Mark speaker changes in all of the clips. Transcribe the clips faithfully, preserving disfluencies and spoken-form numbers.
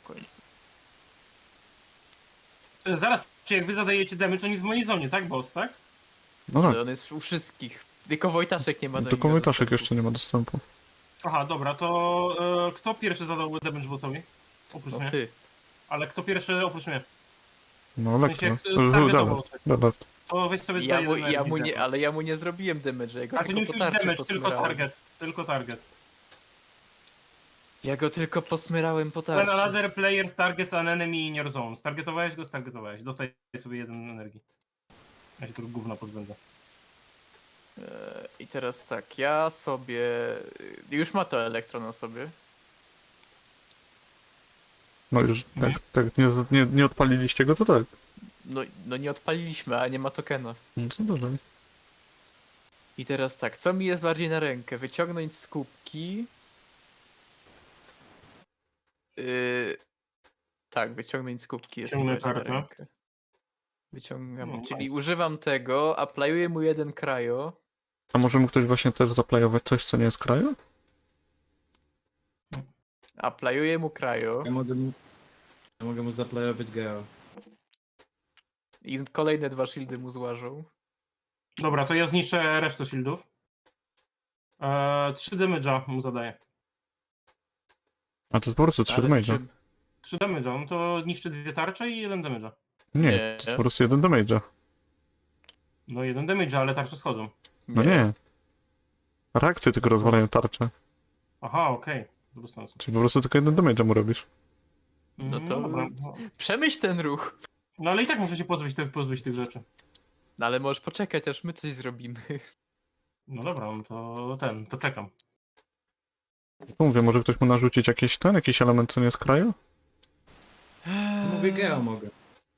Speaker 1: końcu.
Speaker 2: E, Zaraz, czy jak wy zadajecie damage, on jest w mojej zonie, tak, boss, tak?
Speaker 3: No tak,
Speaker 1: Ale on jest u wszystkich. Tylko Wojtaszek nie ma do
Speaker 3: tylko
Speaker 1: niego
Speaker 3: Wojtaszek
Speaker 1: dostępu.
Speaker 3: jeszcze nie ma dostępu.
Speaker 2: Aha, dobra, to e, kto pierwszy zadałby damage bossowi? Oprócz
Speaker 1: No
Speaker 2: mnie.
Speaker 1: ty.
Speaker 2: Ale kto pierwszy oprócz mnie?
Speaker 3: No
Speaker 2: W sensie,
Speaker 3: elektro.
Speaker 2: jak targetował,
Speaker 3: Dobra,
Speaker 2: tak.
Speaker 3: dobra.
Speaker 2: To weź sobie
Speaker 1: Ja
Speaker 2: tutaj
Speaker 1: mu,
Speaker 2: jeden
Speaker 1: ja mu
Speaker 2: energii
Speaker 1: nie,
Speaker 2: dam.
Speaker 1: ale ja mu nie zrobiłem damage, ja go
Speaker 2: A ty nie
Speaker 1: tylko po
Speaker 2: musisz
Speaker 1: tarczy
Speaker 2: damage, tylko
Speaker 1: posmyrałem.
Speaker 2: target. Tylko target.
Speaker 1: Ja go tylko posmyrałem po
Speaker 2: When
Speaker 1: tarczy.
Speaker 2: another player targets an enemy in your zone. Stargetowałeś go, stargetowałeś. Dostaję sobie jeden energii. Ja się tu gówna pozbędę.
Speaker 1: Eee, I teraz tak, ja sobie... Już ma to elektro na sobie.
Speaker 3: No już,
Speaker 2: Mhm.
Speaker 3: tak, tak, nie, nie, nie odpaliliście go, to tak.
Speaker 1: No, no nie odpaliliśmy, a nie ma tokena.
Speaker 3: No to dobra.
Speaker 1: I teraz tak, co mi jest bardziej na rękę? Wyciągnąć z kubki. Yy... Tak, wyciągnąć z kubki jest mi
Speaker 2: Ciągnę
Speaker 1: bardziej na
Speaker 2: kartę.
Speaker 1: rękę. Wyciągam,
Speaker 2: No,
Speaker 1: czyli
Speaker 2: nice.
Speaker 1: używam tego, aplajuję mu jeden krajo.
Speaker 3: A może mu ktoś właśnie też zaplajować coś, co nie jest kraju?
Speaker 1: Aplajuję mu krajo.
Speaker 4: Ja mogę mu, ja mogę mu zaplayować geo.
Speaker 1: I kolejne dwa shieldy mu złażą.
Speaker 2: Dobra, to ja zniszczę resztę shieldów. Eee, trzy damage'a mu zadaję.
Speaker 3: A to jest po prostu trzy
Speaker 1: Ale
Speaker 3: damage'a.
Speaker 1: czym?
Speaker 2: trzy damage'a, no to niszczy dwie tarcze i jeden damage'a.
Speaker 3: Nie,
Speaker 1: Nie.
Speaker 3: to jest po prostu jeden damage'a.
Speaker 2: No jeden damage'a, ale tarcze schodzą.
Speaker 3: No nie. Reakcje tylko rozwalają tarczę.
Speaker 2: Aha, okej. Okay. Bez sensu.
Speaker 3: Czyli po prostu tylko jeden damage'a mu robisz.
Speaker 1: No
Speaker 2: Mm,
Speaker 1: to-
Speaker 2: dobra. No.
Speaker 1: Przemyśl ten ruch.
Speaker 2: No ale i tak muszę się pozbyć, tych- pozbyć tych rzeczy.
Speaker 1: No ale możesz poczekać, aż my coś zrobimy.
Speaker 2: No dobra, no to ten, to czekam.
Speaker 3: To mówię, może ktoś mu narzucić jakiś ten, jakiś element, co nie jest kraju?
Speaker 4: Mówię geo mogę.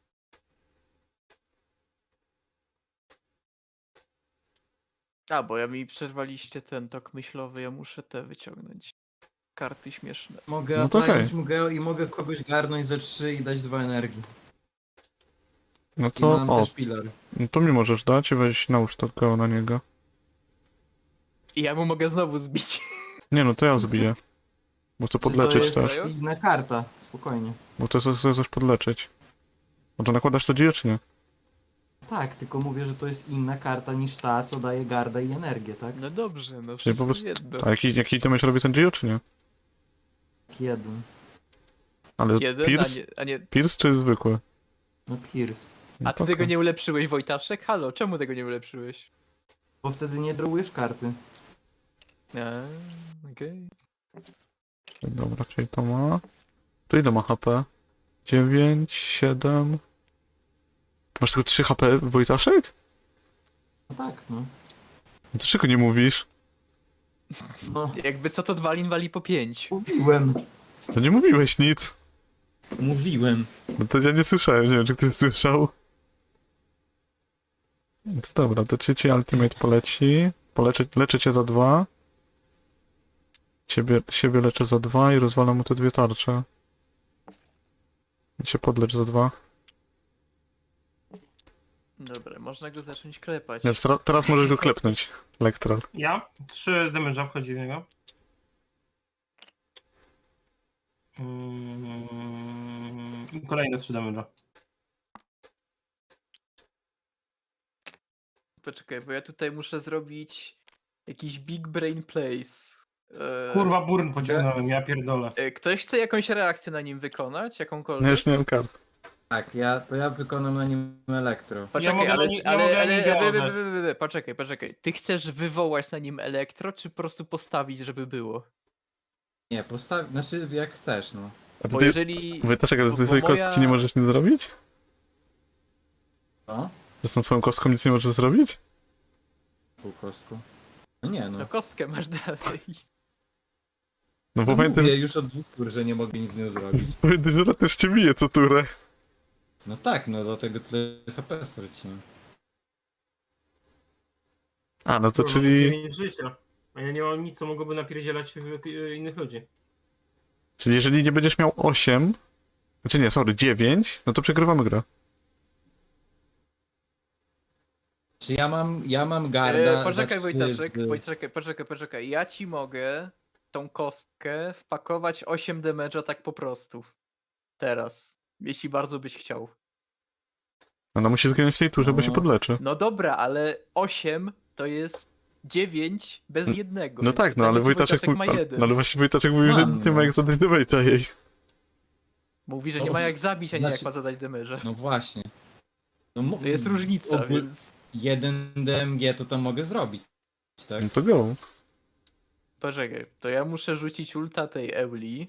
Speaker 1: A, bo ja mi przerwaliście ten tok myślowy, ja muszę te wyciągnąć. Karty śmieszne.
Speaker 4: Mogę
Speaker 3: No to
Speaker 4: aplayować
Speaker 3: okej.
Speaker 4: mu geo i mogę kogoś garnąć za trzy i dać dwa energii.
Speaker 3: No
Speaker 4: I
Speaker 3: to,
Speaker 4: mam
Speaker 3: o,
Speaker 4: też pilar.
Speaker 3: no to mi możesz dać i weź nałóż to go na niego.
Speaker 1: I ja mu mogę znowu zbić.
Speaker 3: Nie no, to ja zbiję. Bo chcę
Speaker 1: Czy to
Speaker 3: podleczyć
Speaker 1: jest
Speaker 3: też.
Speaker 1: krajo?
Speaker 4: Inna karta, spokojnie.
Speaker 3: Bo chcę, chcę coś podleczyć. No to nakładasz co dzieje, czy nie?
Speaker 4: Tak, tylko mówię, że to jest inna karta niż ta, co daje garda i energię, tak?
Speaker 1: No dobrze, no
Speaker 3: Czyli
Speaker 1: wszystko
Speaker 3: po prostu...
Speaker 1: jedno.
Speaker 3: A jaki, jaki damage robi ten dzieje, czy nie?
Speaker 4: Jeden.
Speaker 3: Ale
Speaker 1: Jeden,
Speaker 3: Pierce,
Speaker 1: a nie, a nie...
Speaker 3: Pierce czy zwykły?
Speaker 4: No Pierce.
Speaker 3: No
Speaker 1: A ty
Speaker 3: to
Speaker 1: tego
Speaker 3: okej.
Speaker 1: nie ulepszyłeś, Wojtaszek? Halo, czemu tego nie ulepszyłeś?
Speaker 4: Bo wtedy nie drawujesz karty.
Speaker 1: A, okej.
Speaker 3: Dobra, czyli to ma... To ile ma H P? dziewięć, siedem... Masz tylko trzy H P, Wojtaszek?
Speaker 4: No tak, no.
Speaker 3: No to czego nie mówisz?
Speaker 4: No,
Speaker 1: Jakby co to Dwalin wali po pięć.
Speaker 4: mówiłem.
Speaker 3: To nie mówiłeś nic.
Speaker 4: Mówiłem.
Speaker 3: No to ja nie słyszałem, nie wiem czy ktoś słyszał. No to dobra, to czy ci ultimate poleci? Poleczę, leczę cię za dwa. Ciebie, siebie leczę za dwa i rozwalam mu te dwie tarcze. I cię podlecz za dwa.
Speaker 1: Dobra, można go zacząć klepać.
Speaker 3: Więc tra- teraz możesz go klepnąć, Elektral.
Speaker 2: Ja? trzy damage'a wchodzi w niego. Mm, i kolejne trzy damage'a.
Speaker 1: Poczekaj, bo ja tutaj muszę zrobić jakiś big brain place. Eee,
Speaker 2: Kurwa, burn pociągnąłem, ja pierdolę.
Speaker 1: e, Ktoś chce jakąś reakcję na nim wykonać?
Speaker 3: No
Speaker 1: Jakąkolwiek?
Speaker 3: już nie mam kart.
Speaker 4: Tak, ja, to ja wykonam na nim elektro.
Speaker 1: Poczekaj,
Speaker 2: mogę
Speaker 1: ale,
Speaker 2: na ni- ja
Speaker 1: ale,
Speaker 2: mogę na
Speaker 1: ale,
Speaker 2: nim
Speaker 1: ale,
Speaker 2: działać.
Speaker 1: ale, ale, ale, poczekaj, poczekaj. Ty chcesz wywołać na nim elektro, czy po prostu postawić, żeby było?
Speaker 4: Nie, postaw... Znaczy jak chcesz, no.
Speaker 3: A
Speaker 1: Bo
Speaker 3: ty,
Speaker 1: jeżeli...
Speaker 3: Wojtaszek, a
Speaker 1: bo-
Speaker 3: ty
Speaker 1: bo
Speaker 3: swojej
Speaker 1: moja-
Speaker 3: kostki nie możesz nic zrobić?
Speaker 4: Co?
Speaker 3: Ty z tą twoją kostką nic nie możesz zrobić?
Speaker 4: Pół kostku. No nie, no.
Speaker 1: No kostkę masz dalej.
Speaker 3: No bo
Speaker 4: No
Speaker 3: pamiętam,
Speaker 4: mówię już od dwóch tur, że nie mogę nic z nią zrobić.
Speaker 3: pamiętam, że ona też cię bije co turę.
Speaker 4: No tak, no dlatego tyle H P straciłem.
Speaker 3: A, no to
Speaker 2: Kurwa,
Speaker 3: czyli...
Speaker 2: dziewięć życia. A ja nie mam nic, co mogłoby napierdzielać w- y, innych ludzi.
Speaker 3: Czyli jeżeli nie będziesz miał osiem... Znaczy nie, sorry, dziewięć, no to przegrywamy grę.
Speaker 4: Czy ja mam, ja mam garda
Speaker 1: E, poczekaj
Speaker 4: za trzy
Speaker 1: Wojtaszek,
Speaker 4: z-
Speaker 1: poczekaj, poczekaj, poczekaj. Ja ci mogę tą kostkę wpakować osiem damage'a tak po prostu. Teraz. Jeśli bardzo byś chciał.
Speaker 3: Ona musi zginąć w tej turze, bo się
Speaker 4: No.
Speaker 3: podleczy.
Speaker 1: No dobra, ale osiem to jest dziewięć bez
Speaker 3: N-
Speaker 1: jednego.
Speaker 3: No
Speaker 1: więc
Speaker 3: tak, no
Speaker 1: pytanie,
Speaker 3: ale
Speaker 1: czy
Speaker 3: Wojtaszek,
Speaker 1: ma
Speaker 3: mówi-
Speaker 1: jeden.
Speaker 3: no ale właśnie Wojtaszek mówi, że
Speaker 4: Mam,
Speaker 3: nie ma
Speaker 4: no.
Speaker 3: jak zadać do Wejta jej.
Speaker 1: Mówi, że
Speaker 4: No,
Speaker 1: nie ma jak zabić, a nie jak
Speaker 4: znaczy-
Speaker 1: ma zadać demerze.
Speaker 4: No właśnie. No, mo-
Speaker 1: To jest różnica,
Speaker 4: ogól-
Speaker 1: więc...
Speaker 4: jeden D M G to to mogę zrobić, tak?
Speaker 3: No to go.
Speaker 1: Poczekaj, to ja muszę rzucić ulta tej Euli.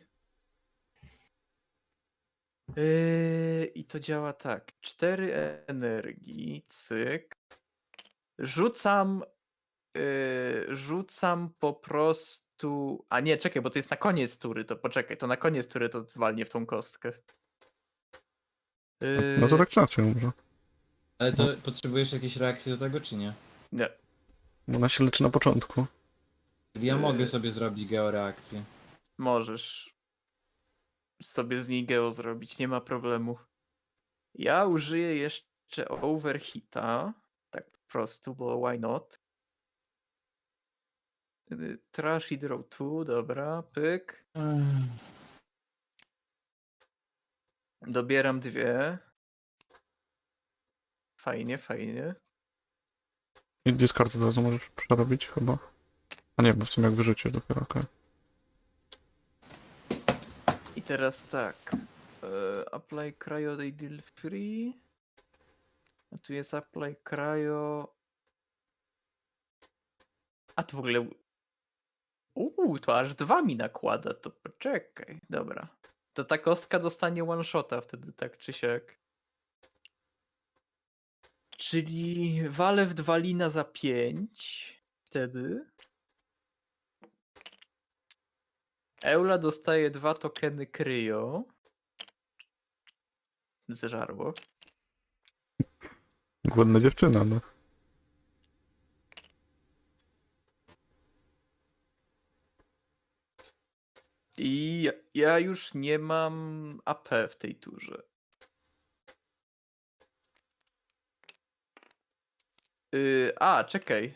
Speaker 1: Yy, I to działa tak. cztery energii, cyk. Rzucam... Yy, rzucam po prostu... A nie, czekaj, bo to jest na koniec tury, to poczekaj, to na koniec tury to walnie w tą kostkę. Yy,
Speaker 3: No to tak znaczy może.
Speaker 4: Ale to potrzebujesz jakiejś reakcji do tego, czy nie?
Speaker 1: Nie,
Speaker 3: Bo ona się leczy na początku.
Speaker 4: Czyli ja
Speaker 1: Yy.
Speaker 4: mogę sobie zrobić georeakcję.
Speaker 1: możesz sobie z niej geo zrobić, nie ma problemu. Ja użyję jeszcze overhita, tak po prostu, bo why not? Y, Trash i draw two, dobra, pyk. Dobieram dwie. Fajnie, fajnie.
Speaker 3: I discard od razu możesz przerobić chyba. A nie, bo w sumie jak wyrzucisz dopiero, okej.
Speaker 1: I teraz tak. e, Apply cryo they deal free. A tu jest apply cryo. A to w ogóle. Uuu, to aż dwa mi nakłada, to poczekaj. Dobra. To ta kostka dostanie one shota wtedy, tak czy siak. Czyli walę w dwa lina za pięć. Wtedy. Eula dostaje dwa tokeny kryo. Zżarło.
Speaker 3: Głodna dziewczyna, no.
Speaker 1: I ja- ja już nie mam A P w tej turze. Yy, a, czekaj.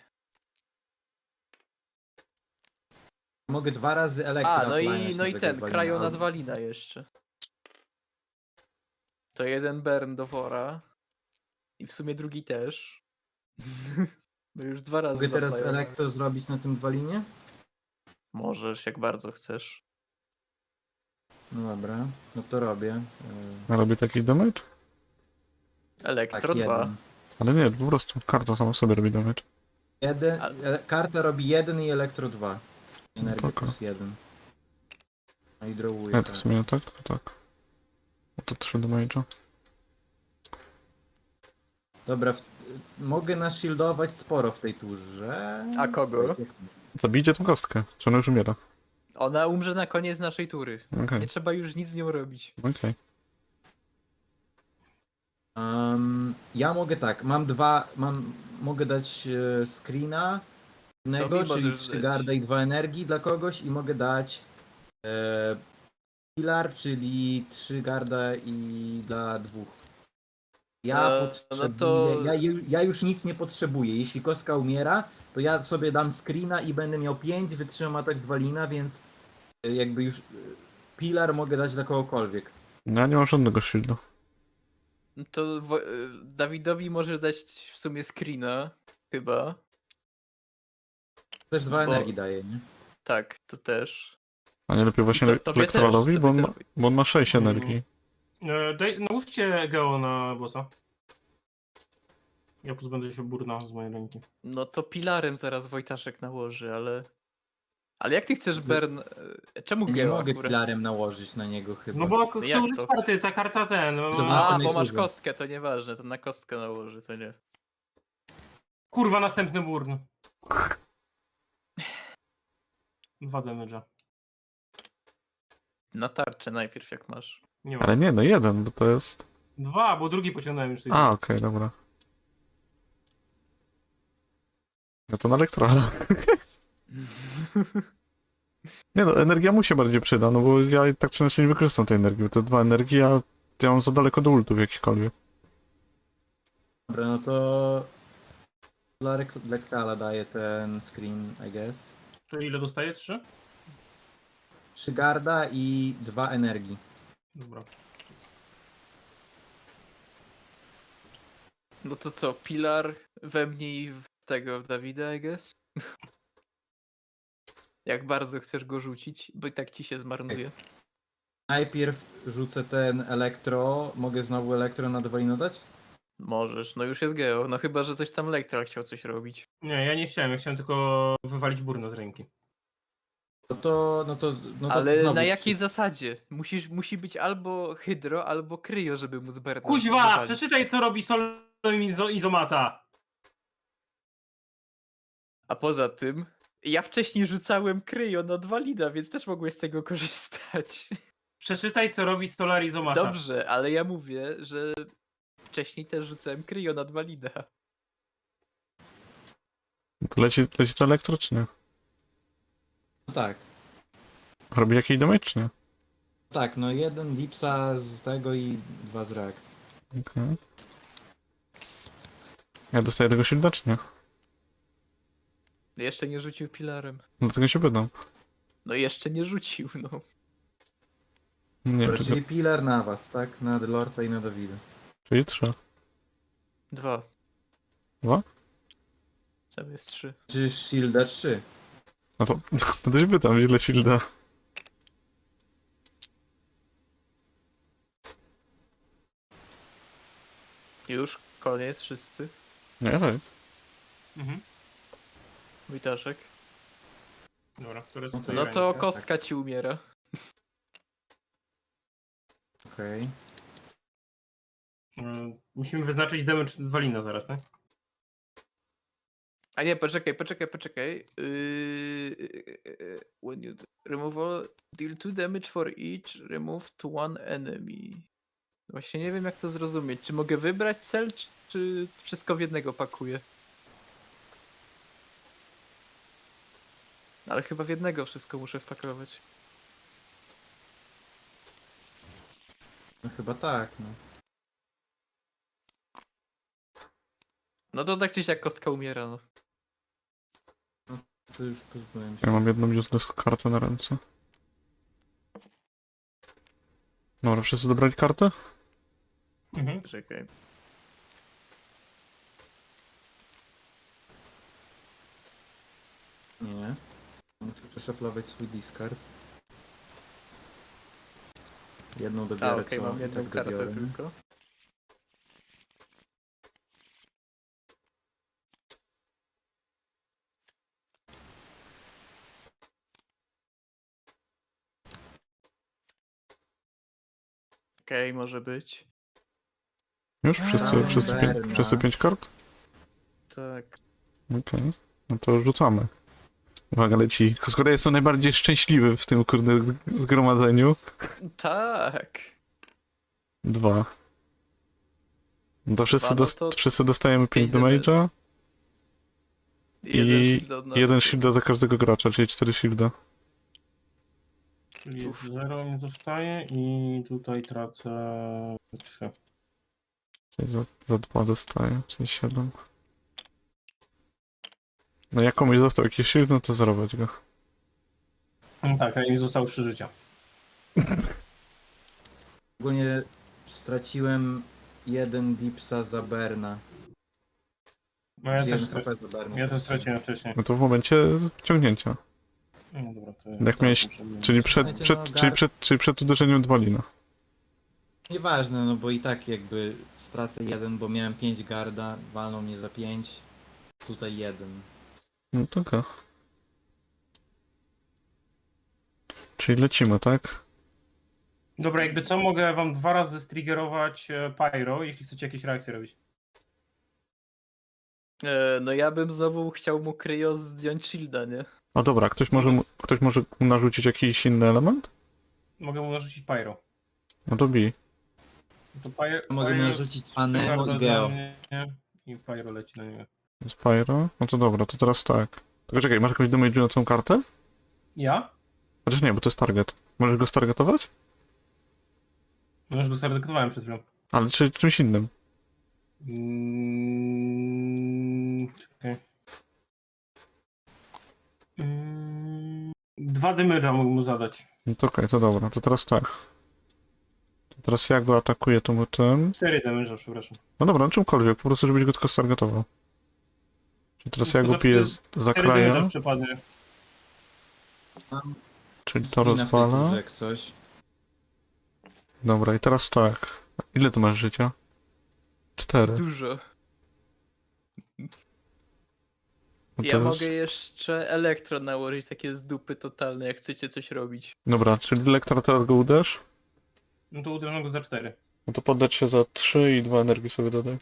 Speaker 4: Mogę dwa razy elektro
Speaker 1: A, no i,
Speaker 4: appliance
Speaker 1: no i
Speaker 4: do
Speaker 1: ten,
Speaker 4: tego walina,
Speaker 1: krajo
Speaker 4: albo-
Speaker 1: nadwalina jeszcze. To jeden burn do wora. I w sumie drugi też. No już dwa razy
Speaker 4: Mogę teraz
Speaker 1: zaplajowałem.
Speaker 4: elektro zrobić na tym walinie?
Speaker 1: Możesz, jak bardzo chcesz.
Speaker 4: No dobra, no to robię. Yy,
Speaker 3: A robi taki damage?
Speaker 1: Elektro
Speaker 4: tak,
Speaker 1: dwa.
Speaker 4: jeden.
Speaker 3: Ale nie, po prostu karta sama w sobie robi damage.
Speaker 4: Jeden,
Speaker 1: A-
Speaker 4: e, karta robi jeden i elektro dwa. Energia
Speaker 3: Taka.
Speaker 4: plus jeden. No i drawuję.
Speaker 3: Nie, to w sumie nie tak, to tak. No to trzy damage'a.
Speaker 4: Dobra, w, mogę nashieldować sporo w tej turze.
Speaker 1: A kogo?
Speaker 3: Zabijcie tą kostkę, czy ona już umiera.
Speaker 1: Ona umrze na koniec naszej tury.
Speaker 3: Okej,
Speaker 1: Nie trzeba już nic z nią robić.
Speaker 3: okej.
Speaker 4: Um, ja mogę tak, mam dwa, mam, mogę dać e, screena jednego,
Speaker 1: mi
Speaker 4: czyli
Speaker 1: możesz
Speaker 4: trzy
Speaker 1: dać.
Speaker 4: garda i dwa energii dla kogoś i mogę dać e, pilar, czyli trzy garda i dla dwóch. Ja
Speaker 1: E, no
Speaker 4: potrzebuję,
Speaker 1: to-
Speaker 4: ja, ju- ja już nic nie potrzebuję. Jeśli kostka umiera, to ja sobie dam screena i będę miał pięć, wytrzymam atak Dwalina, więc e, jakby już e, pilar mogę dać dla kogokolwiek.
Speaker 3: No ja nie mam żadnego shieldu.
Speaker 1: No to wo- y, Dawidowi może dać w sumie screena, chyba.
Speaker 4: Też dwa
Speaker 1: Bo-
Speaker 4: energii daje, nie?
Speaker 1: Tak, to też.
Speaker 3: A nie lepiej właśnie
Speaker 1: To-
Speaker 3: le-
Speaker 1: tobie
Speaker 3: elektrolowi,
Speaker 1: też,
Speaker 3: bo on,
Speaker 1: tobie
Speaker 3: ma,
Speaker 1: też.
Speaker 3: bo on ma sześć
Speaker 2: Mm.
Speaker 3: energii.
Speaker 2: E, daj, nałóżcie geo na bossa. Ja pozbędę się burna z mojej ręki.
Speaker 1: No to pilarem zaraz Wojtaszek nałoży, ale... Ale jak ty chcesz
Speaker 4: Ty-
Speaker 1: Bern... y, Czemu
Speaker 4: Nie
Speaker 1: Geo
Speaker 4: mogę
Speaker 1: akurat?
Speaker 4: pilarem nałożyć na niego chyba.
Speaker 2: No bo chcę
Speaker 1: jak
Speaker 2: użyć
Speaker 1: to?
Speaker 2: karty, ta karta ten.
Speaker 4: To
Speaker 2: ma-
Speaker 4: na
Speaker 1: A,
Speaker 4: następnej
Speaker 1: bo masz
Speaker 4: turze.
Speaker 1: kostkę, to nieważne, to na kostkę nałoży, to nie.
Speaker 2: Kurwa, następny burn. Dwa damage'a.
Speaker 1: Na tarczę najpierw jak masz.
Speaker 2: Nie ma.
Speaker 3: Ale nie, no jeden, bo to jest...
Speaker 2: Dwa, bo drugi pociągnąłem już tej
Speaker 3: A, okej, dobra. No to na elektrola. Nie no, energia mu się bardziej przyda, no bo ja i tak czy inaczej nie wykorzystam tej energii, bo to dwa energii, a ja mam za daleko do ultów jakichkolwiek.
Speaker 4: Dobra, no to dla Rek- Lektala daję ten screen, I guess.
Speaker 2: Czyli ile dostaję? Trzy?
Speaker 4: Trzy garda i dwa energii.
Speaker 2: Dobra.
Speaker 1: No to co, Pilar we mnie i w tego w Dawida, I guess? Jak bardzo chcesz go rzucić, bo i tak ci się zmarnuje.
Speaker 4: Najpierw rzucę ten elektro. Mogę znowu elektro na Dwalina dać?
Speaker 1: Możesz, no już jest Geo. No chyba, że coś tam Lektra chciał coś robić.
Speaker 2: Nie, ja nie chciałem, ja chciałem tylko wywalić burno z ręki.
Speaker 4: No to, no to, no to
Speaker 1: Ale
Speaker 4: znowu
Speaker 1: na
Speaker 4: trzy.
Speaker 1: jakiej zasadzie? Musisz, musi być albo hydro, albo kryo, żeby móc Berna
Speaker 2: Kuźwa!
Speaker 1: wywalić.
Speaker 2: Przeczytaj, co robi Solo izo Izomata!
Speaker 1: A poza tym, ja wcześniej rzucałem kryjo na Dwalina, więc też mogłeś z tego korzystać.
Speaker 2: Przeczytaj, co robi Solar Izomata.
Speaker 1: Dobrze, ale ja mówię, że wcześniej też rzucałem kryjo na Dwalina.
Speaker 3: Leci, leci to elektro, czy nie?
Speaker 4: No tak.
Speaker 3: Robi jakiś damage, czy nie?
Speaker 4: Tak, no jeden lipsa z tego i dwa z reakcji.
Speaker 3: Okej. Ja dostaję tego shielda, czy nie?
Speaker 1: Jeszcze nie rzucił pilarem.
Speaker 3: Dlatego się pytam.
Speaker 1: No jeszcze nie rzucił, no.
Speaker 3: Nie wiem,
Speaker 4: Dobra,
Speaker 3: czy
Speaker 4: czyli Pilar na was, tak? Na Delorta i na Dawida.
Speaker 3: czyli trzy.
Speaker 1: Dwa.
Speaker 3: Dwa?
Speaker 1: Tam jest trzy.
Speaker 4: Czy Shielda trzy?
Speaker 3: No to, to się pytam, ile shielda.
Speaker 1: Już, koniec, wszyscy.
Speaker 3: Nie, tak.
Speaker 2: Mhm.
Speaker 1: Witaszek.
Speaker 2: Dobra, które
Speaker 4: No
Speaker 2: są
Speaker 4: to-
Speaker 2: twoje
Speaker 1: No to
Speaker 2: ręce?
Speaker 1: kostka ci umiera.
Speaker 4: Okej.
Speaker 2: Mm, Musimy wyznaczyć damage Dwalina zaraz, tak?
Speaker 1: A nie, poczekaj, poczekaj, poczekaj. Yy, when you remove all, deal two damage for each, remove to one enemy. Właśnie nie wiem jak to zrozumieć. Czy mogę wybrać cel, czy, czy wszystko w jednego pakuję? Ale chyba w jednego wszystko muszę wpakować.
Speaker 4: No chyba tak, no.
Speaker 1: No to tak czy siak kostka umiera, no.
Speaker 4: To już pozbyłem się.
Speaker 3: Ja mam jedną useless kartę na ręce. Dobra, wszyscy dobrali kartę?
Speaker 2: Mhm.
Speaker 1: Czekaj.
Speaker 4: Nie. Muszę przeszaflować swój discard. Jedną dobiorę,
Speaker 1: A okej,
Speaker 4: co
Speaker 1: mam
Speaker 4: i
Speaker 1: jedną
Speaker 4: tak
Speaker 1: kartę
Speaker 4: dobiorę.
Speaker 1: tylko. Okej, może być.
Speaker 3: Już? Wszyscy,
Speaker 4: A,
Speaker 3: wszyscy, pię
Speaker 4: Berna.
Speaker 3: wszyscy pięć kart?
Speaker 1: Tak.
Speaker 3: Okej. No to rzucamy. Uwaga, leci. Skoro jestem najbardziej szczęśliwy w tym kurde zgromadzeniu.
Speaker 1: Tak.
Speaker 3: Dwa. No to wszyscy,
Speaker 1: Dwa, no
Speaker 3: dos
Speaker 1: to
Speaker 3: wszyscy dostajemy pięć
Speaker 1: pięć
Speaker 3: damage'a
Speaker 1: Jeden
Speaker 3: i
Speaker 1: shield od nas.
Speaker 3: jeden shielda za każdego gracza, czyli cztery shielda.
Speaker 2: Czyli
Speaker 1: Uf.
Speaker 2: zero mi zostaje i tutaj tracę trzy.
Speaker 3: Czyli za, za dwa dostaję, czyli siedem. No jak komuś został jakiś shield, no to zerować go.
Speaker 2: No tak, a mi zostało trzy życia.
Speaker 4: Ogólnie straciłem jeden dipsa za Berna.
Speaker 2: No ja też,
Speaker 4: jeden
Speaker 2: stra-
Speaker 4: H P za Berna.
Speaker 2: ja też straciłem wcześniej.
Speaker 3: No to w momencie ciągnięcia.
Speaker 2: No dobra, to ja
Speaker 3: Jak miałeś-
Speaker 2: muszę wyjąć.
Speaker 3: Czyli przed,
Speaker 4: Słuchajcie,
Speaker 3: przed,
Speaker 4: no,
Speaker 3: czyli
Speaker 4: Gar-
Speaker 3: przed, czyli przed uderzeniem Dwalina.
Speaker 4: Nieważne, no bo i tak jakby stracę jeden, bo miałem pięć garda, walną mnie za pięć. Tutaj jeden.
Speaker 3: No to okej. Czyli lecimy, tak?
Speaker 2: Dobra, jakby co, mogę wam dwa razy striggerować e, Pyro, jeśli chcecie jakieś reakcje robić.
Speaker 1: E, no ja bym znowu chciał mu kryjo zdjąć shielda, nie?
Speaker 3: A dobra, ktoś może, mu- ktoś może mu narzucić jakiś inny element?
Speaker 2: Mogę mu narzucić Pyro.
Speaker 3: No to bij.
Speaker 2: To Pyro,
Speaker 4: Mogę
Speaker 2: Pyro-
Speaker 4: narzucić Anemo
Speaker 2: Pyro
Speaker 4: i
Speaker 2: dla
Speaker 4: Geo.
Speaker 2: mnie I Pyro leci na niego.
Speaker 3: Spyro? No to dobra, to teraz tak. Tylko czekaj, masz jakąś damage'ującą kartę?
Speaker 2: Ja?
Speaker 3: Chociaż nie, bo to jest target. Możesz go stargetować?
Speaker 2: No już go stargetowałem przed chwilą.
Speaker 3: Ale czy czymś innym?
Speaker 2: Mm, czekaj. Mm, dwa damage'a mógł mu zadać.
Speaker 3: No to okej, to dobra, to teraz tak. To Teraz ja go atakuję tym tym.
Speaker 2: cztery damage, przepraszam.
Speaker 3: No dobra, no czymkolwiek, po prostu żebyś go tylko stargetował. Czyli teraz ja
Speaker 2: To
Speaker 3: go
Speaker 2: za
Speaker 3: piję
Speaker 2: cztery-
Speaker 3: z- za
Speaker 2: cztery damage'a
Speaker 3: kraja,
Speaker 2: przepadnie.
Speaker 4: Mam
Speaker 3: czyli to
Speaker 4: screena w tej
Speaker 3: rozwala.
Speaker 4: turze jak coś.
Speaker 3: Dobra, i teraz tak. Ile tu masz życia? Cztery.
Speaker 1: Dużo.
Speaker 3: No
Speaker 1: Ja
Speaker 3: to
Speaker 1: mogę
Speaker 3: jest...
Speaker 1: jeszcze elektro nałożyć, takie z dupy totalne, jak chcecie coś robić.
Speaker 3: Dobra, czyli lektora teraz go uderz.
Speaker 2: No to uderzono go za cztery.
Speaker 3: No to poddać się za trzy i dwa energii sobie dodaj.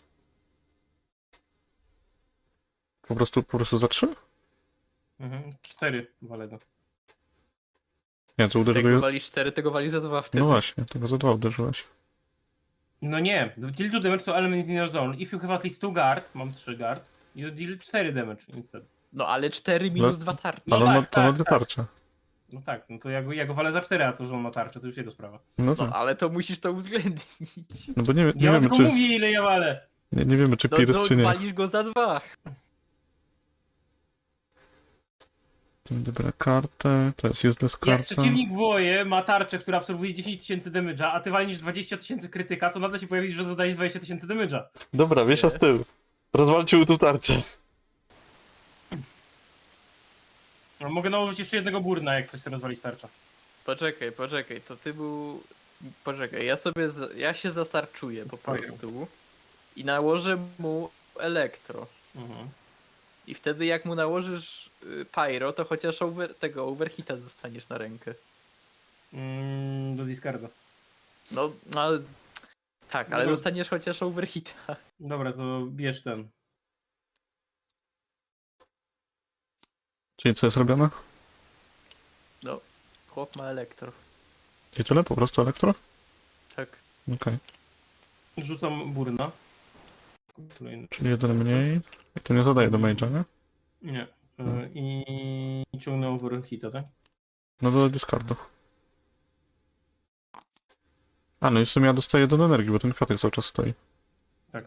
Speaker 3: Po prostu, po prostu za trzy?
Speaker 2: Mhm. cztery walę go.
Speaker 3: Nie, co uderzył
Speaker 1: Tego
Speaker 3: go...
Speaker 1: walisz cztery, tego wali za dwa wtedy.
Speaker 3: No właśnie, tego za dwa uderzyłeś.
Speaker 2: No nie, deal two damage to element in your zone. If you have at least two guard, mam trzy guard, you deal cztery damage instead.
Speaker 1: No ale cztery minus
Speaker 3: No,
Speaker 1: dwa tarcze.
Speaker 2: No
Speaker 3: Ale on ma,
Speaker 2: tak,
Speaker 3: to ma
Speaker 2: tak,
Speaker 3: dwie
Speaker 2: tak.
Speaker 3: tarcze.
Speaker 2: No tak, no to ja go, ja go walę za cztery, a to, że on ma tarczę, to już jego sprawa.
Speaker 3: No
Speaker 1: No
Speaker 3: tak.
Speaker 1: ale to musisz to uwzględnić.
Speaker 3: No bo nie, nie
Speaker 2: Ja
Speaker 3: wiemy,
Speaker 2: tylko
Speaker 3: czy...
Speaker 2: mówię, ile ja walę.
Speaker 3: Nie, nie wiemy, czy
Speaker 1: No,
Speaker 3: Pirs,
Speaker 1: no
Speaker 3: czy nie.
Speaker 1: walisz go za dwa.
Speaker 3: To dobra kartę, to jest useless
Speaker 2: Jak
Speaker 3: karta.
Speaker 2: przeciwnik woje ma tarczę, która absorbuje dziesięć tysięcy damage'a, a ty walnisz dwadzieścia tysięcy krytyka, to nagle się pojawi, że zadajesz dwadzieścia tysięcy damage'a.
Speaker 3: Dobra, wiesza z tyłu. Rozwalcie mu tu tarczę.
Speaker 2: No, mogę nałożyć jeszcze jednego burna, jak ktoś chce rozwalić tarczę.
Speaker 1: Poczekaj, poczekaj, to ty był... Poczekaj, ja sobie, za... ja się zastarczuję po
Speaker 2: Fajnie.
Speaker 1: prostu i nałożę mu elektro.
Speaker 2: Mhm.
Speaker 1: I wtedy jak mu nałożysz y, pyro, to chociaż over... tego overhita dostaniesz na rękę.
Speaker 2: Mm, do discarda.
Speaker 1: No, no ale... Tak, ale
Speaker 2: No.
Speaker 1: dostaniesz chociaż overhita.
Speaker 2: Dobra, to bierz ten.
Speaker 3: Czyli co jest robione?
Speaker 1: No, chłop ma elektro.
Speaker 3: I tyle? Po prostu elektro?
Speaker 1: Tak.
Speaker 3: Okej.
Speaker 2: Rzucam burna. Kolejny.
Speaker 3: Czyli jeden mniej. I to nie zadaje do mage'a, nie?
Speaker 2: Nie. Y, I ciągnę overhita, tak?
Speaker 3: No do discardu. A, no i w sumie ja dostaję jeden energii, bo ten kwiatek cały czas stoi.
Speaker 2: Tak.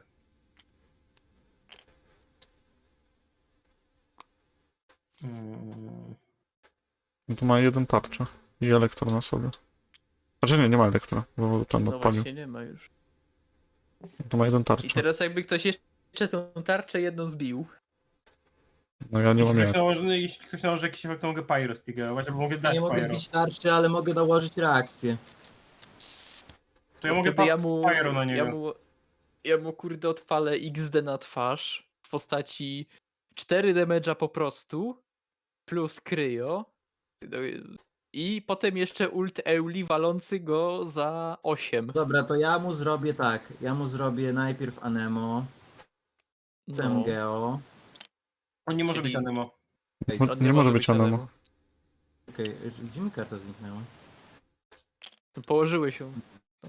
Speaker 2: Mm,
Speaker 3: No to ma jeden tarczę. I elektro na sobie. Znaczy nie, nie ma elektra, bo tam
Speaker 1: No
Speaker 3: odpalił.
Speaker 1: właśnie nie ma już.
Speaker 3: To ma jeden
Speaker 1: I
Speaker 3: tarczę.
Speaker 1: teraz jakby ktoś jeszcze tą tarczę jedną zbił.
Speaker 3: No ja nie mam
Speaker 2: jeśli,
Speaker 3: jak.
Speaker 2: ktoś nałoży, jeśli ktoś nałoży jakiś efekt, to mogę pyro stigerować, albo mogę
Speaker 4: Ja
Speaker 2: dać
Speaker 4: nie mogę
Speaker 2: pyro.
Speaker 4: zbić tarczy, ale mogę nałożyć reakcję.
Speaker 2: To ja
Speaker 1: Bo
Speaker 2: mogę
Speaker 1: wtedy
Speaker 2: pa-
Speaker 1: ja mu,
Speaker 2: pyro na niego.
Speaker 1: ja mu, ja mu kurde odpalę X D na twarz w postaci cztery damage'a po prostu plus kryo i potem jeszcze ult Euli walący go za osiem.
Speaker 4: Dobra, to ja mu zrobię tak. Ja mu zrobię najpierw Anemo, potem
Speaker 1: No,
Speaker 4: Geo.
Speaker 2: On nie może
Speaker 1: czyli-
Speaker 2: być anemo.
Speaker 4: Ej,
Speaker 3: Mo-
Speaker 1: on
Speaker 3: nie może być Anemo.
Speaker 1: Anemo.
Speaker 4: Okej, gdzie mi karta zniknęła?
Speaker 1: Położyły się.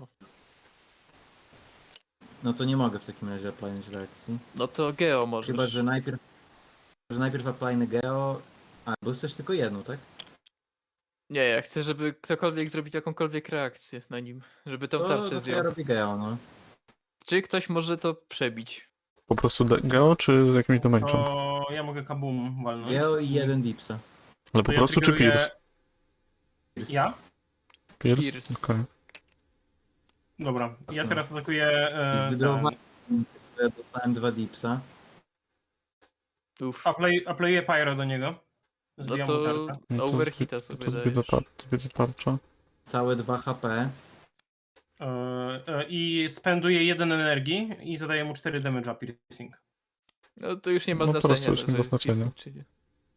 Speaker 4: No to nie mogę w takim razie appliać reakcji.
Speaker 1: No to Geo możesz.
Speaker 4: Chyba, że najpierw... Że najpierw applyny Geo... A, bo chcesz tylko jedną, tak?
Speaker 1: Nie, ja chcę, żeby ktokolwiek zrobił jakąkolwiek reakcję na nim, żeby tą
Speaker 4: To,
Speaker 1: tarczę
Speaker 4: to, to ja
Speaker 1: zdjął.
Speaker 4: robię Geo, no.
Speaker 1: Czy ktoś może to przebić?
Speaker 3: Po prostu de- geo, czy z jakimś damage'em?
Speaker 2: To ja mogę kabum walnąć.
Speaker 4: Geo i jeden Dipsa.
Speaker 3: Ale
Speaker 2: to
Speaker 3: po
Speaker 2: ja
Speaker 3: prostu, czy
Speaker 2: triggeruję-
Speaker 3: Pierce?
Speaker 2: Ja?
Speaker 3: Pierce?
Speaker 1: Pierce.
Speaker 3: Okej.
Speaker 2: Dobra. Ja
Speaker 4: Jasne.
Speaker 2: teraz atakuję e,
Speaker 4: Wydrowa-
Speaker 2: ten.
Speaker 4: Ja dostałem dwa Dipsa.
Speaker 1: Uff.
Speaker 2: Apply, aplayuję pyro do niego.
Speaker 1: No
Speaker 2: Zbijam mu
Speaker 1: to
Speaker 2: tarczę.
Speaker 3: No to
Speaker 1: overhita
Speaker 3: To
Speaker 1: sobie
Speaker 3: to
Speaker 1: dajesz.
Speaker 3: widzę, tar widzę tarcza.
Speaker 4: Całe dwa H P.
Speaker 2: E, e, I spenduję jeden energii i zadaję mu cztery damage'a piercing.
Speaker 1: No to już nie ma
Speaker 3: No
Speaker 1: znaczenia.
Speaker 3: teraz to już
Speaker 1: że
Speaker 3: nie ma
Speaker 1: jest
Speaker 3: znaczenia.
Speaker 1: piercing, czy nie.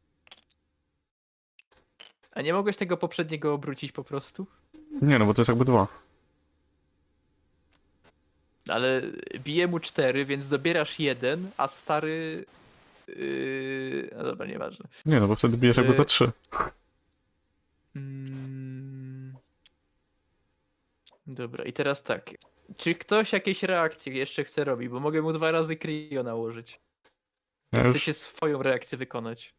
Speaker 1: A nie mogłeś tego poprzedniego obrócić po prostu?
Speaker 3: Nie, no bo to jest jakby dwa.
Speaker 1: Ale bije mu cztery, więc dobierasz jeden, a stary... Yy... No dobra, nieważne.
Speaker 3: Nie, no bo wtedy bijesz jakby
Speaker 1: Y-
Speaker 3: za trzy.
Speaker 1: Mm. Dobra, i teraz tak. Czy ktoś jakieś reakcje jeszcze chce robić? Bo mogę mu dwa razy Cryo nałożyć.
Speaker 3: Ja
Speaker 1: Chcę
Speaker 3: już,
Speaker 1: się swoją reakcję wykonać.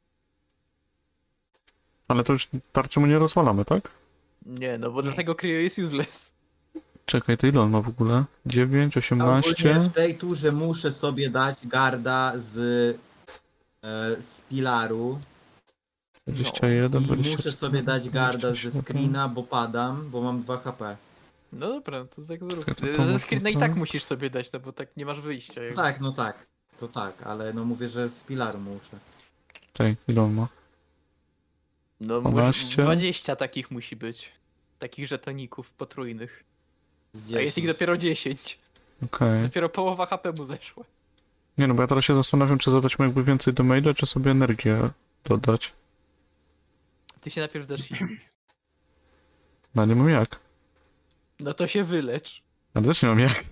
Speaker 3: ale to już tarczy mu nie rozwalamy, tak?
Speaker 1: Nie, no bo dlatego Cryo jest useless.
Speaker 3: Czekaj, to ile on ma w ogóle? dziewięć,
Speaker 4: Ogólnie
Speaker 3: osiemnaście.
Speaker 4: w tej turze muszę sobie dać garda z, e, z pilaru.
Speaker 3: dwadzieścia jeden,
Speaker 4: I
Speaker 3: dwadzieścia
Speaker 4: muszę
Speaker 3: cztery,
Speaker 4: sobie dać garda
Speaker 3: dwadzieścia
Speaker 4: ze
Speaker 3: siedem.
Speaker 4: screena, bo padam, bo mam dwa H P.
Speaker 1: No dobra, no to tak zrób.
Speaker 3: Ja to
Speaker 1: Ze
Speaker 3: komu
Speaker 1: screena i
Speaker 3: tutaj?
Speaker 1: tak musisz sobie dać, no bo tak nie masz wyjścia. jakby.
Speaker 4: Tak, no tak. To tak, ale no mówię, że z pilaru muszę.
Speaker 3: Czekaj, ile on ma?
Speaker 1: No może
Speaker 3: dwanaście.
Speaker 1: dwadzieścia takich musi być. Takich żetoników potrójnych. A jest ich
Speaker 4: dziesięć.
Speaker 1: dopiero dziesięć.
Speaker 3: Okej.
Speaker 1: Dopiero połowa H P mu zeszła.
Speaker 3: Nie no, bo ja teraz się zastanawiam, czy zadać mu jakby więcej do maila, czy sobie energię dodać.
Speaker 1: Ty się najpierw zacznij.
Speaker 3: No nie mam jak.
Speaker 1: No to się wylecz.
Speaker 3: Ale też nie mam jak.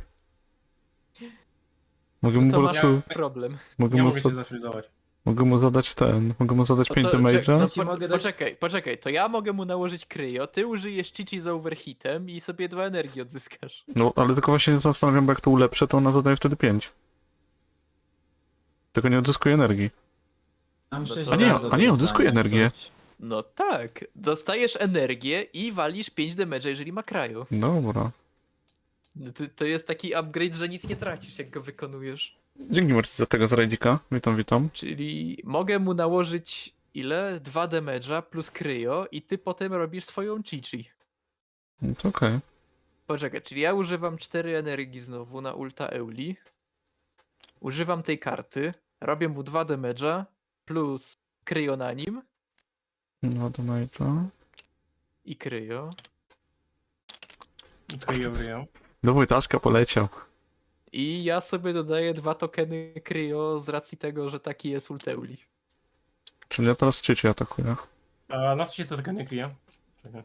Speaker 3: Mogę
Speaker 1: No
Speaker 3: mu
Speaker 1: to
Speaker 3: po
Speaker 1: masz
Speaker 3: prostu...
Speaker 1: problem.
Speaker 3: Mogę
Speaker 2: Nie
Speaker 3: mu,
Speaker 2: mogę
Speaker 3: za,
Speaker 2: się zaszyldować.
Speaker 3: mogę mu zadać ten... Mogę mu zadać
Speaker 1: No
Speaker 3: pięć
Speaker 1: to-
Speaker 3: do maila.
Speaker 1: czek- no
Speaker 4: Ci
Speaker 1: po,
Speaker 4: mogę dać-
Speaker 1: Poczekaj, poczekaj, to ja mogę mu nałożyć kryjo, ty użyjesz Chichi z overhitem i sobie dwa energii odzyskasz.
Speaker 3: No, ale tylko właśnie się zastanawiam, bo jak to ulepszę, to ona zadaje wtedy pięć. Tylko nie odzyskuje energii.
Speaker 4: Mam
Speaker 1: No to-
Speaker 4: sześć
Speaker 1: A nie,
Speaker 4: do
Speaker 3: a nie, odzyskuje
Speaker 4: dostania,
Speaker 3: energię.
Speaker 4: coś.
Speaker 1: No tak, dostajesz energię i walisz pięć damage'a, jeżeli ma kraju.
Speaker 3: Dobra.
Speaker 1: No to, to jest taki upgrade, że nic nie tracisz, jak go wykonujesz.
Speaker 3: Dzięki Marcin za tego z rajdika. Witam, witam.
Speaker 1: Czyli mogę mu nałożyć ile? dwa damage'a plus kryjo i ty potem robisz swoją Chichi.
Speaker 3: No to okej.
Speaker 1: Poczekaj, czyli ja używam cztery energii znowu na ulta Euli. Używam tej karty, robię mu dwa damage'a plus kryjo na nim
Speaker 3: No do maila.
Speaker 1: i kryjo.
Speaker 2: Kryją, kryją.
Speaker 3: Do Wojtaszka poleciał.
Speaker 1: I ja sobie dodaję dwa tokeny kryjo z racji tego, że taki jest ult Euli.
Speaker 3: Czyli ja teraz Chichi atakuję.
Speaker 2: A na co się to tylko nie kryje? Czekaj.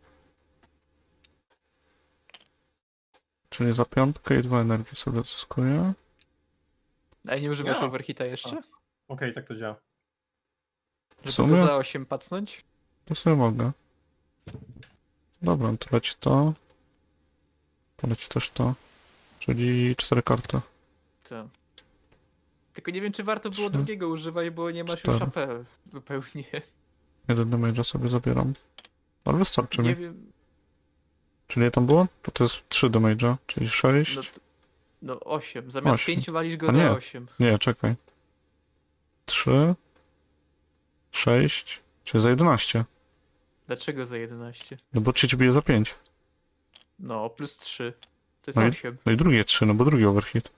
Speaker 3: Czyli za piątkę i dwa energii sobie odzyskuję.
Speaker 1: A nie używasz
Speaker 2: Ja.
Speaker 1: overhita jeszcze?
Speaker 2: Okej, tak to działa.
Speaker 1: Żeby
Speaker 3: sumie?
Speaker 1: to za osiem pacnąć?
Speaker 3: To sobie mogę. Dobra, to leci to. Poleci też to. Czyli cztery karty.
Speaker 1: Tak. Tylko nie wiem, czy warto było
Speaker 3: Trzy,
Speaker 1: drugiego używać, bo nie masz
Speaker 3: cztery.
Speaker 1: już H P zupełnie.
Speaker 3: Jeden damage'a sobie zabieram. Ale wystarczy
Speaker 1: Nie
Speaker 3: mi.
Speaker 1: wiem.
Speaker 3: Czyli ile tam było? To to jest trzy damage'a, czyli sześć.
Speaker 1: No, t- no osiem. Zamiast
Speaker 3: Osiem.
Speaker 1: pięciu walisz go
Speaker 3: A nie.
Speaker 1: za osiem.
Speaker 3: Nie, czekaj. trzy. sześć. Czyli za jedenaście.
Speaker 1: Dlaczego za jedenaście?
Speaker 3: No bo Chichi bije za pięć.
Speaker 1: No, plus trzy. To jest
Speaker 3: No i-
Speaker 1: osiem.
Speaker 3: No i drugie trzy, no bo drugi overhit.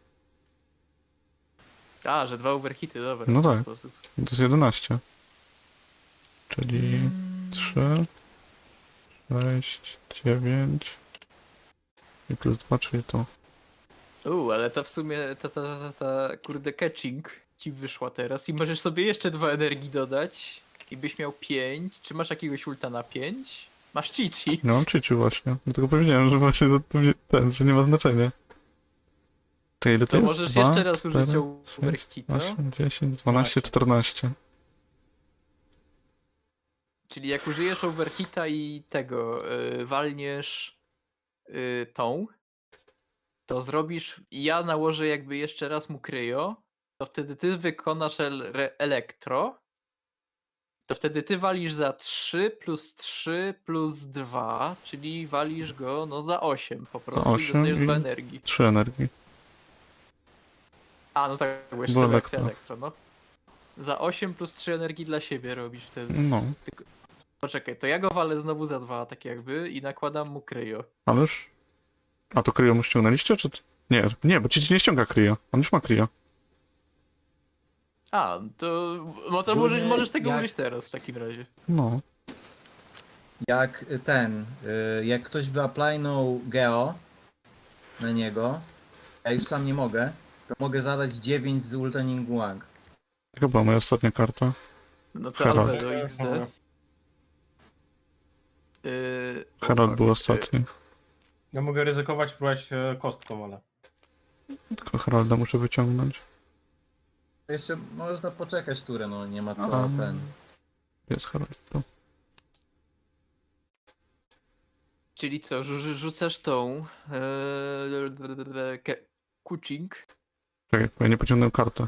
Speaker 1: A, że dwa overhity, dobra.
Speaker 3: No
Speaker 1: w ten
Speaker 3: tak.
Speaker 1: sposób.
Speaker 3: To jest jedenaście. Czyli trzy, sześć, dziewięć i plus dwa, czyli to.
Speaker 1: Uuu, ale ta w sumie, ta, ta, ta, ta, ta kurde catching ci wyszła teraz i możesz sobie jeszcze dwa energii dodać i byś miał pięć. Czy masz jakiegoś ulta na pięć? Masz Chichi.
Speaker 3: No mam Chichi właśnie. Dlatego powiedziałem, że właśnie to, to, mnie- ten, że nie ma znaczenia. Czyli ile to,
Speaker 1: To
Speaker 3: jest?
Speaker 1: możesz
Speaker 3: dwa,
Speaker 1: jeszcze raz użyć
Speaker 3: cztery,
Speaker 1: overhita.
Speaker 3: osiem, dziesięć, dwanaście, czternaście.
Speaker 1: Czyli jak użyjesz overhita i tego yy, walniesz yy, tą, to zrobisz i ja nałożę jakby jeszcze raz mu kryjo, to wtedy ty wykonasz el, re, elektro, to wtedy ty walisz za trzy plus trzy plus dwa, czyli walisz go no za osiem po prostu i
Speaker 3: osiem
Speaker 1: dostajesz
Speaker 3: i-
Speaker 1: dwa energii.
Speaker 3: trzy energii.
Speaker 1: A no tak, bo jeszcze
Speaker 3: Bo
Speaker 1: elektro.
Speaker 3: elektro.
Speaker 1: elektro, no. Za osiem plus trzy energii dla siebie robisz wtedy.
Speaker 3: No,
Speaker 1: Poczekaj, to ja go walę znowu za dwa, tak jakby, i nakładam mu kryjo.
Speaker 3: ale już... A to Kryo mu ściągnęliście, czy... t- Nie, nie, bo Chichi nie ściąga Kryo. On już ma Kryo.
Speaker 1: A, to, no to
Speaker 4: Ogólnie
Speaker 1: możesz, możesz tego
Speaker 4: jak-
Speaker 1: użyć teraz w takim razie.
Speaker 3: No.
Speaker 4: Jak ten, y, jak ktoś by aplaynął Geo na niego, ja już sam nie mogę, to mogę zadać dziewięć z Ulta Ningguang.
Speaker 3: Jaka była moja ostatnia karta?
Speaker 1: No to
Speaker 3: Herald.
Speaker 1: Albedo
Speaker 2: Ja
Speaker 1: X
Speaker 2: już
Speaker 1: D.
Speaker 2: mogę.
Speaker 1: Yy, o
Speaker 3: Herald
Speaker 1: fuck,
Speaker 3: był
Speaker 1: yy,
Speaker 3: ostatni.
Speaker 2: Ja mogę ryzykować, próbować e, kostką, ale...
Speaker 3: Tylko Heralda muszę wyciągnąć.
Speaker 4: To jeszcze można poczekać turę, no nie ma co
Speaker 3: Aha.
Speaker 4: ten.
Speaker 3: Jest Herald. Tu.
Speaker 1: Czyli co, rzu- rzucasz tą yy, ke- kucing,
Speaker 3: Czekaj, bo ja nie pociągnąłem kartę.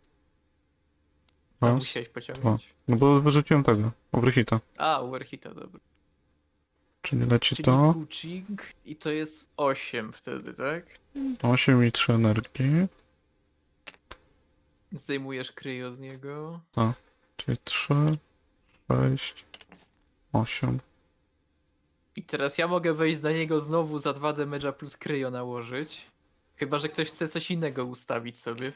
Speaker 1: a
Speaker 3: Raz.
Speaker 1: musiałeś pociągnąć.
Speaker 3: No bo wyrzuciłem tego. Overhita.
Speaker 1: A, overhita, dobra.
Speaker 3: Czyli leci
Speaker 1: Czyli
Speaker 3: to.
Speaker 1: kucing i to jest osiem wtedy, tak?
Speaker 3: osiem i trzy energii.
Speaker 1: Zdejmujesz kryjo z niego.
Speaker 3: Czyli trzy, sześć, osiem.
Speaker 1: I teraz ja mogę wejść na niego znowu za dwa damage'a plus kryjo nałożyć. Chyba, że ktoś chce coś innego ustawić sobie.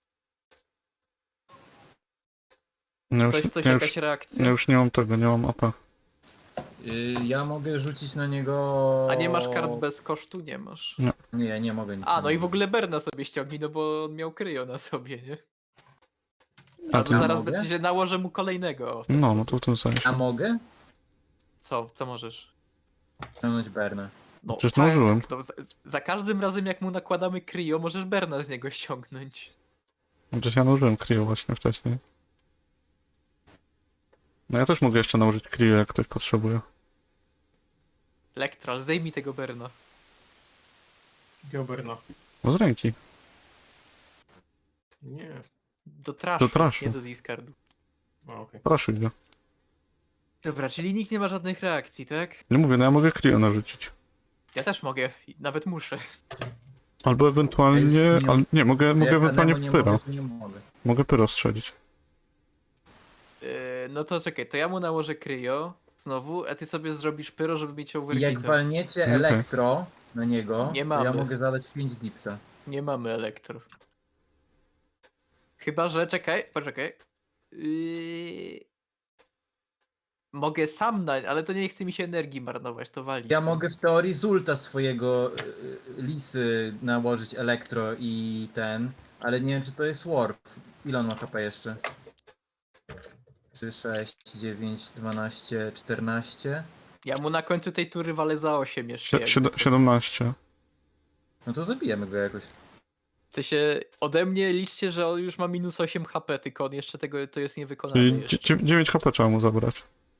Speaker 3: Ja już,
Speaker 1: Ktoś, coś,
Speaker 3: ja,
Speaker 1: jakaś
Speaker 3: już,
Speaker 1: reakcja.
Speaker 3: ja już nie mam tego, nie mam A P.
Speaker 4: Yy, ja mogę rzucić na niego...
Speaker 1: A nie masz kart bez kosztu? Nie masz.
Speaker 4: Nie, ja nie mogę nic.
Speaker 1: A, no i
Speaker 4: nie
Speaker 1: w ogóle Berna sobie ściągnij, no bo on miał kryjo na sobie, nie?
Speaker 3: A
Speaker 1: A
Speaker 3: to-
Speaker 1: to zaraz
Speaker 4: mogę?
Speaker 1: będzie się nałożę mu kolejnego. o, w ten
Speaker 3: No, no
Speaker 1: sposób.
Speaker 3: to w tym sensie.
Speaker 4: A mogę?
Speaker 1: Co, co możesz?
Speaker 4: Ściągnąć Bernę.
Speaker 1: No,
Speaker 3: Przecież
Speaker 1: tak,
Speaker 3: nałożyłem.
Speaker 1: to za, za każdym razem jak mu nakładamy kryjo, możesz Berna z niego ściągnąć.
Speaker 3: Przecież ja nałożyłem Cryo właśnie wcześniej. No ja też mogę jeszcze nałożyć Cryo, jak ktoś potrzebuje.
Speaker 1: Lektral, zdejmij tego Berna.
Speaker 2: Gilberno.
Speaker 3: No z ręki.
Speaker 2: Nie.
Speaker 1: Do traszu,
Speaker 3: Do traszu.
Speaker 1: nie do discardu.
Speaker 2: A, okej.
Speaker 3: Proszę go.
Speaker 1: Dobra, czyli nikt nie ma żadnych reakcji, tak?
Speaker 3: Nie mówię, no ja mogę Cryo narzucić.
Speaker 1: Ja też mogę, i nawet muszę.
Speaker 3: Albo ewentualnie...
Speaker 4: Ja już nie-
Speaker 3: al, nie, mogę, mogę
Speaker 4: Jak
Speaker 3: ewentualnie
Speaker 4: Anemo nie
Speaker 3: pyro.
Speaker 4: mogę, to nie mogę.
Speaker 3: Mogę pyro strzelić.
Speaker 1: Yy, no to czekaj, to ja mu nałożę kryjo znowu, a ty sobie zrobisz pyro, żeby mieć
Speaker 4: I jak
Speaker 1: overhita.
Speaker 4: walniecie
Speaker 3: Okej.
Speaker 4: elektro na niego,
Speaker 1: Nie
Speaker 4: to
Speaker 1: mamy.
Speaker 4: ja mogę zadać pięć dipsa.
Speaker 1: Nie mamy elektro. Chyba, że czekaj, poczekaj. Yy... Mogę sam na, ale to nie chce mi się energii marnować, to walić.
Speaker 4: Ja
Speaker 1: tam.
Speaker 4: mogę w teorii z ulta swojego y, y, lisy nałożyć elektro i ten, ale nie wiem czy to jest warp. Ile on ma H P jeszcze? trzy, sześć, dziewięć, dwanaście, czternaście.
Speaker 1: Ja mu na końcu tej tury walę za osiem jeszcze.
Speaker 3: Sie,
Speaker 1: jakby
Speaker 3: siedem-
Speaker 1: co.
Speaker 3: siedemnaście.
Speaker 4: No to zabijemy go jakoś.
Speaker 1: W sensie ode mnie liczcie, że on już ma minus osiem H P, tylko on jeszcze tego to jest niewykonane
Speaker 3: Czyli
Speaker 1: jeszcze.
Speaker 3: dzie- dziewięć H P trzeba mu zabrać.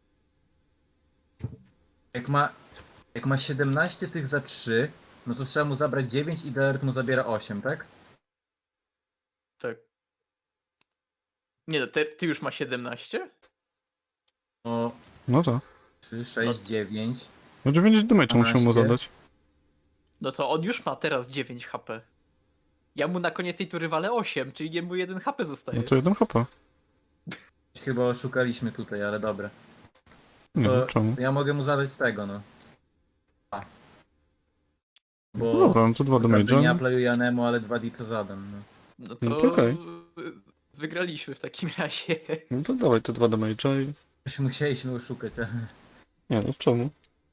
Speaker 4: Jak ma, jak ma siedemnaście tych za trzy, no to trzeba mu zabrać dziewięć i Delert mu zabiera osiem, tak?
Speaker 1: Tak. Nie no, ty, ty już ma siedemnaście?
Speaker 4: O
Speaker 3: No tak.
Speaker 4: trzy, sześć, dziewięć.
Speaker 3: No dziewięć damage'a musimy mu
Speaker 4: dwanaście.
Speaker 3: zadać.
Speaker 1: No to on już ma teraz dziewięć H P. Ja mu na koniec tej tury walę osiem, czyli jemu jeden H P zostaje.
Speaker 3: No to jeden H P.
Speaker 4: Chyba oszukaliśmy tutaj, ale dobra.
Speaker 3: Nie
Speaker 4: To-
Speaker 3: wiem czemu.
Speaker 4: Ja mogę mu zadać z tego, no. A. Bo
Speaker 3: No dobra, no to dwa
Speaker 4: co prawda nie
Speaker 3: damage'a.
Speaker 4: aplayuję Anemo, ale dwa dipsa zadam, no.
Speaker 1: No to,
Speaker 3: No to okej.
Speaker 1: wygraliśmy w takim razie.
Speaker 3: No to dawaj te dwa damage'a i...
Speaker 4: Już musieliśmy oszukać, ale...
Speaker 3: Nie no, czemu?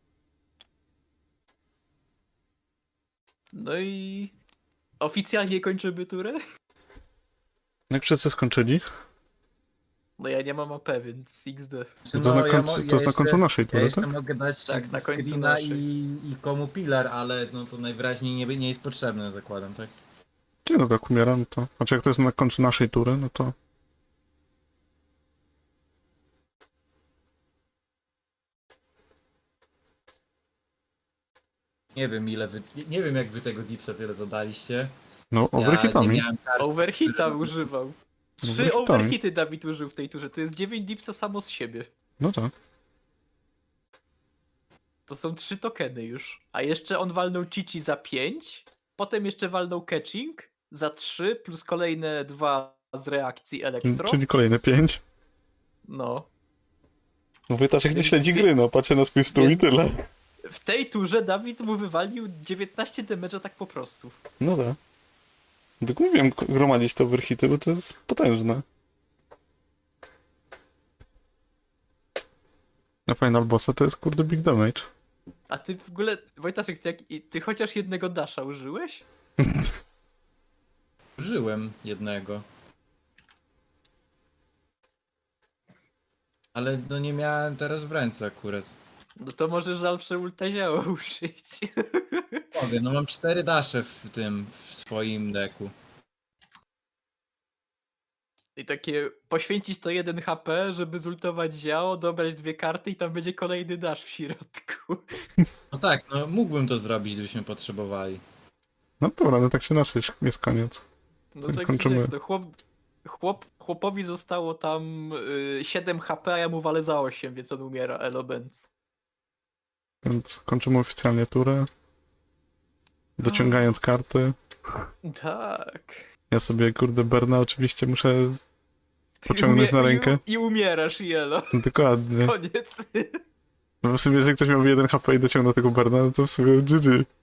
Speaker 1: No i oficjalnie kończymy turę?
Speaker 3: Jak wszyscy skończyli,
Speaker 1: No ja nie mam A P, więc X D.
Speaker 4: Znaczy,
Speaker 3: to,
Speaker 4: no,
Speaker 3: na
Speaker 4: ja
Speaker 3: końcu,
Speaker 4: mo-
Speaker 3: to
Speaker 4: ja
Speaker 3: jest na
Speaker 4: jeszcze-
Speaker 3: końcu naszej
Speaker 4: Ja
Speaker 3: tury,
Speaker 4: jeszcze
Speaker 3: tak?
Speaker 4: mogę dać
Speaker 1: Tak, na końcu
Speaker 4: screena
Speaker 1: naszej.
Speaker 4: i, i komu pilar, ale no to najwyraźniej nie, nie jest potrzebne, zakładam, tak?
Speaker 3: Nie no, jak umieram, no to... Znaczy jak to jest na końcu naszej tury, no to...
Speaker 4: Nie wiem ile wy... nie- Nie wiem jak wy tego dipsa tyle zadaliście.
Speaker 3: No,
Speaker 4: Ja nie
Speaker 3: overhitami.
Speaker 4: miałem kart.
Speaker 1: Overhita używał. Trzy
Speaker 3: Overhitami.
Speaker 1: overhity Dawid użył w tej turze. To jest dziewięć dipsa samo z siebie.
Speaker 3: No tak.
Speaker 1: To są trzy tokeny już. A jeszcze on walnął Chichi za pięć. Potem jeszcze walnął Catching za trzy, plus kolejne dwa z reakcji Elektro.
Speaker 3: Czyli kolejne pięć.
Speaker 1: No.
Speaker 3: No Wojtaszek nie
Speaker 1: Więc
Speaker 3: śledzi
Speaker 1: wie-
Speaker 3: gry, no, patrzę na swój stół i
Speaker 1: więc-
Speaker 3: tyle.
Speaker 1: W tej turze Dawid mu wywalił dziewiętnaście damage'a tak po prostu.
Speaker 3: No tak. Tak mówiłem k- gromadzić te overhity, bo to jest potężne. Na final bossa to jest kurde big damage.
Speaker 1: A ty w ogóle, Wojtaszek, ty, jak, ty chociaż jednego dasha użyłeś?
Speaker 4: Użyłem jednego. Ale no nie miałem teraz w ręce akurat.
Speaker 1: No to możesz zawsze ulta zioła użyć.
Speaker 4: Mogę, no mam cztery dasze w tym, w swoim deku.
Speaker 1: I takie poświęcić to jeden H P, żeby zultować ziało, dobrać dwie karty i tam będzie kolejny dash w środku.
Speaker 4: No tak, no mógłbym to zrobić, gdybyśmy potrzebowali.
Speaker 3: No dobra, no tak się nasze jest koniec.
Speaker 1: No
Speaker 3: Tak
Speaker 1: tak
Speaker 3: kończymy.
Speaker 1: jak to chłop, chłop, chłopowi zostało tam y, siedem H P, a ja mu walę za osiem, więc on umiera, elo benz.
Speaker 3: Więc kończymy oficjalnie turę. Dociągając karty.
Speaker 1: Tak.
Speaker 3: Ja sobie kurde Berna oczywiście muszę pociągnąć
Speaker 1: Umie-
Speaker 3: na rękę.
Speaker 1: I, I umierasz, jelo.
Speaker 3: Dokładnie.
Speaker 1: Koniec.
Speaker 3: No w sumie, jeżeli ktoś miałby jeden H P i dociągnął tego Berna, no to w sumie G G.